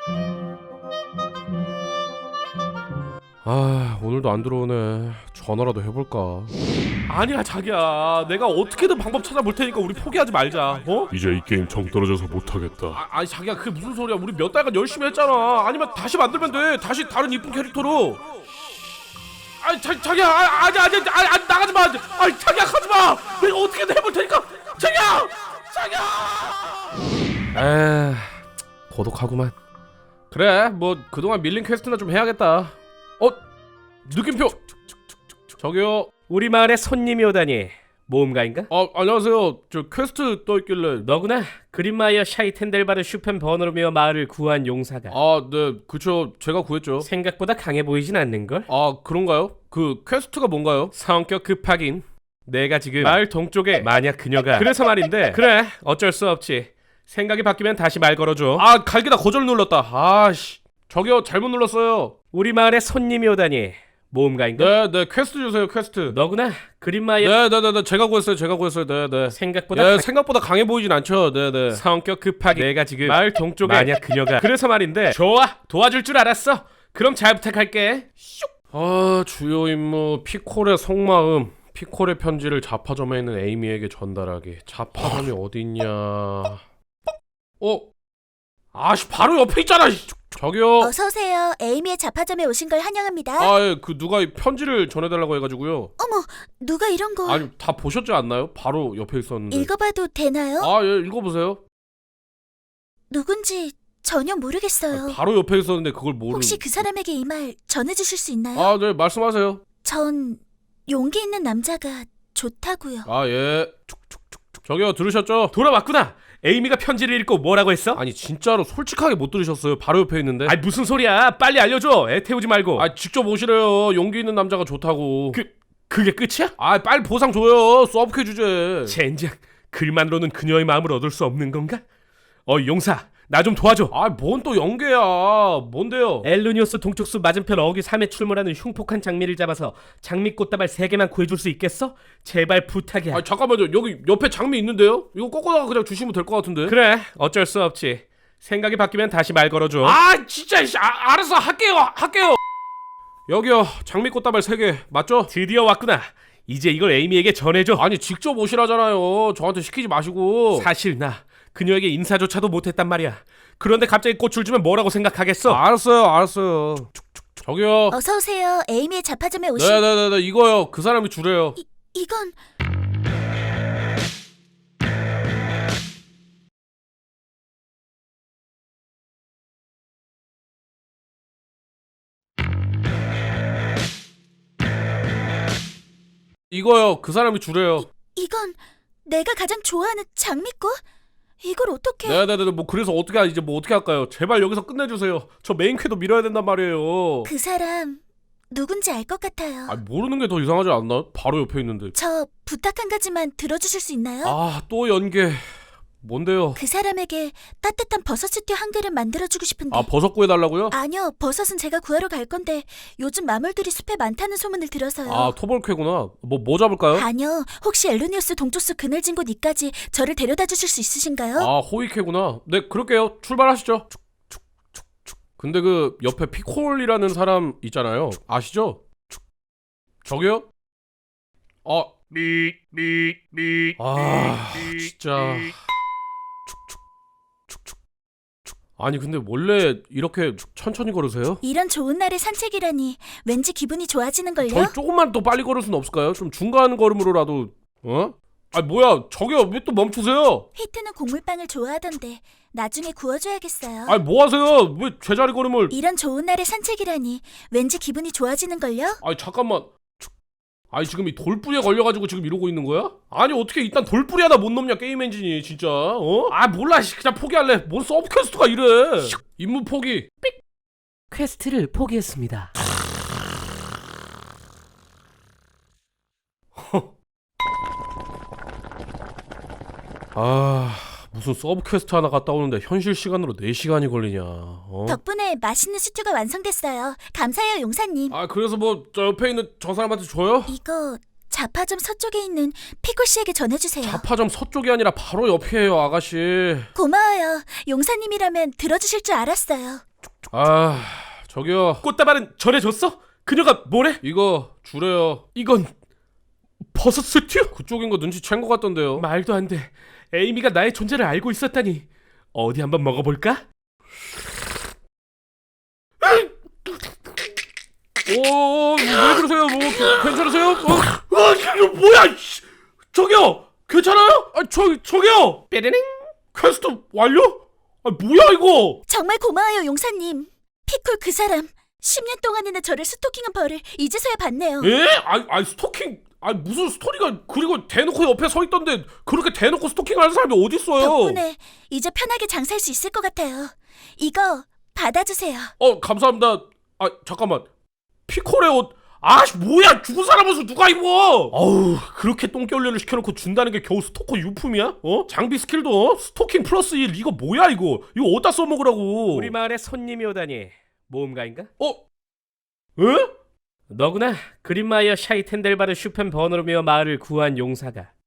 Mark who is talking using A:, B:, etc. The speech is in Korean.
A: 아, 오늘도 안 들어오네. 전화라도 해볼까? 아니야 자기야, 내가 어떻게든 방법 찾아볼 테니까 우리 포기하지 말자. 어?
B: 이제 이 게임 정 떨어져서 못하겠다.
A: 아니 자기야, 그게 무슨 소리야. 우리 몇 달간 열심히 했잖아. 아니면 다시 만들면 돼. 다시 다른 이쁜 캐릭터로. 아니 자기야, 아니 나가지 마. 아니 자기야, 가지 마. 내가 어떻게든 해볼 테니까. 자기야. 고독하구만. 그래, 뭐 그동안 밀린 퀘스트나 좀 해야겠다. 느낌표. 저기요.
C: 우리 마을에 손님이 오다니. 모험가인가?
A: 안녕하세요. 저 퀘스트 떠있길래.
C: 너구나. 그린마이어 샤이텐델바르 슈펜 버너르미어 마을을 구한 용사가.
A: 네, 그쵸. 제가 구했죠.
C: 생각보다 강해 보이진 않는걸?
A: 그런가요? 그 퀘스트가 뭔가요?
C: 성격 급하긴. 내가 지금 마을 동쪽에 만약 그녀가 그래서 말인데. 그래, 어쩔 수 없지. 생각이 바뀌면 다시 말 걸어줘.
A: 갈기다 거절 눌렀다. 아씨. 저기요, 잘못 눌렀어요.
C: 우리 마을에 손님이 오다니. 모험가인가?
A: 네, 퀘스트 주세요, 퀘스트.
C: 너구나. 그린마이어.
A: 네, 제가 구했어요. 네.
C: 생각보다
A: 생각보다 강해 보이진 않죠. 네.
C: 성격 급하게. 내가 지금 마을 동쪽에 만약 그녀가 그래서 말인데. 좋아, 도와줄 줄 알았어. 그럼 잘 부탁할게.
A: 주요 임무 피콜의 속마음. 피콜의 편지를 자파점에 있는 에이미에게 전달하기. 자파점이 어디 있냐? 바로 옆에 있잖아. 저기요.
D: 어서오세요. 에이미의 자파점에 오신 걸 환영합니다.
A: 그 누가 이 편지를 전해달라고 해가지고요.
D: 어머, 누가 이런 걸...
A: 아니, 다 보셨지 않나요? 바로 옆에 있었는데.
D: 읽어봐도 되나요?
A: 예, 읽어보세요.
D: 누군지 전혀 모르겠어요.
A: 바로 옆에 있었는데 그걸 모르는.
D: 혹시 그 사람에게 이 말 전해주실 수 있나요?
A: 네, 말씀하세요.
D: 전 용기 있는 남자가 좋다고요.
A: 예. 저기요, 들으셨죠?
C: 돌아왔구나. 에이미가 편지를 읽고 뭐라고 했어?
A: 아니, 진짜로 솔직하게 못 들으셨어요. 바로 옆에 있는데.
C: 무슨 소리야. 빨리 알려줘. 애 태우지 말고.
A: 직접 오시래요. 용기 있는 남자가 좋다고.
C: 그게 끝이야?
A: 빨리 보상 줘요. 서브캐 주제.
C: 젠장. 글만으로는 그녀의 마음을 얻을 수 없는 건가? 용사, 나 좀 도와줘.
A: 뭔 또 연계야. 뭔데요?
C: 엘루니오스 동쪽수 맞은편 어귀 3에 출몰하는 흉폭한 장미를 잡아서 장미 꽃다발 3개만 구해줄 수 있겠어? 제발 부탁이야.
A: 잠깐만요. 여기 옆에 장미 있는데요? 이거 꺾어다가 그냥 주시면 될 것 같은데.
C: 그래, 어쩔 수 없지. 생각이 바뀌면 다시 말 걸어줘.
A: 진짜. 알았어. 할게요. 여기요. 장미 꽃다발 3개 맞죠?
C: 드디어 왔구나. 이제 이걸 에이미에게 전해줘.
A: 직접 오시라잖아요. 저한테 시키지 마시고.
C: 사실 나 그녀에게 인사조차도 못했단 말이야. 그런데 갑자기 꽃을 주면 뭐라고 생각하겠어?
A: 알았어요. 저기요.
D: 어서오세요. 에이미의 자파점에 오신...
A: 네, 이거요. 그 사람이 주래요.
D: 이건...
A: 이거요. 그 사람이 주래요.
D: 이건 내가 가장 좋아하는 장미꽃? 이걸 어떻게...
A: 네. 뭐 그래서 어떻게 할까요? 제발 여기서 끝내주세요. 저 메인 퀘도 밀어야 된단 말이에요.
D: 그 사람 누군지 알 것 같아요.
A: 모르는 게 더 이상하지 않나? 바로 옆에 있는데.
D: 저 부탁 한 가지만 들어주실 수 있나요?
A: 또 연계. 뭔데요?
D: 그 사람에게 따뜻한 버섯 스튜 한 그릇 만들어주고 싶은데.
A: 버섯 구해달라고요?
D: 아니요, 버섯은 제가 구하러 갈 건데 요즘 마물들이 숲에 많다는 소문을 들어서요.
A: 토벌캐구나. 뭐 잡을까요?
D: 아니요, 혹시 엘루니우스 동쪽수 그늘진 곳 이까지 저를 데려다 주실 수 있으신가요?
A: 호위캐구나. 네, 그럴게요. 출발하시죠. 근데 그 옆에 피콜이라는 사람 있잖아요. 아시죠? 저기요? 진짜. 아니 근데 원래 이렇게 천천히 걸으세요?
D: 이런 좋은 날에 산책이라니 왠지 기분이 좋아지는걸요?
A: 저희 조금만 더 빨리 걸을 수는 없을까요? 좀 중간 걸음으로라도. 뭐야, 저기요, 왜 또 멈추세요?
D: 히트는 곡물빵을 좋아하던데 나중에 구워줘야겠어요.
A: 뭐 하세요? 왜 제자리 걸음을.
D: 이런 좋은 날에 산책이라니 왠지 기분이 좋아지는걸요?
A: 잠깐만. 지금 이 돌뿌리에 걸려가지고 지금 이러고 있는 거야? 어떻게 일단 돌뿌리 하나 못 넘냐, 게임 엔진이, 진짜. 몰라, 그냥 포기할래. 뭔 서브퀘스트가 이래. 임무 포기.
C: 퀘스트를 포기했습니다.
A: 무슨 서브퀘스트 하나 갔다 오는데 현실 시간으로 4시간이 걸리냐.
D: 덕분에 맛있는 스튜가 완성됐어요. 감사해요, 용사님.
A: 그래서 뭐 저 옆에 있는 저 사람한테 줘요?
D: 이거 자파점 서쪽에 있는 피콜 씨에게 전해주세요.
A: 자파점 서쪽이 아니라 바로 옆이에요, 아가씨.
D: 고마워요. 용사님이라면 들어주실 줄 알았어요.
A: 아 저기요
C: 꽃다발은 전해줬어? 그녀가 뭐래?
A: 이거 주래요.
C: 이건 버섯 스튜?
A: 그쪽인 거 눈치챈 거 같던데요.
C: 말도 안 돼. 에이미가 나의 존재를 알고 있었다니. 어디 한번 먹어볼까?
A: 왜 그러세요? 뭐 괜찮으세요? 이거 뭐야? 저기요 괜찮아요? 저기요
C: 뾰르릉.
A: 퀘스트 완료? 뭐야 이거?
D: 정말 고마워요, 용사님. 피콜 그 사람 10년 동안이나 저를 스토킹한 벌을 이제서야 받네요.
A: 예? 스토킹 무슨 스토리가 그리고 대놓고 옆에 서 있던데 그렇게 대놓고 스토킹하는 사람이 어디 있어요?
D: 덕분에 이제 편하게 장사할 수 있을 것 같아요. 이거 받아주세요.
A: 감사합니다. 잠깐만 피콜의 옷 뭐야 죽은 사람 옷을 누가 입어? 그렇게 똥개훈련을 시켜놓고 준다는 게 겨우 스토커 유품이야? 장비 스킬도 스토킹 플러스 1 이거 뭐야 이거 어디다 써먹으라고?
C: 우리 마을에 손님이 오다니. 모험가인가?
A: 에?
C: 너구나. 그린마이어 샤이텐델바르 슈펜 버너르미어 마을을 구한 용사가.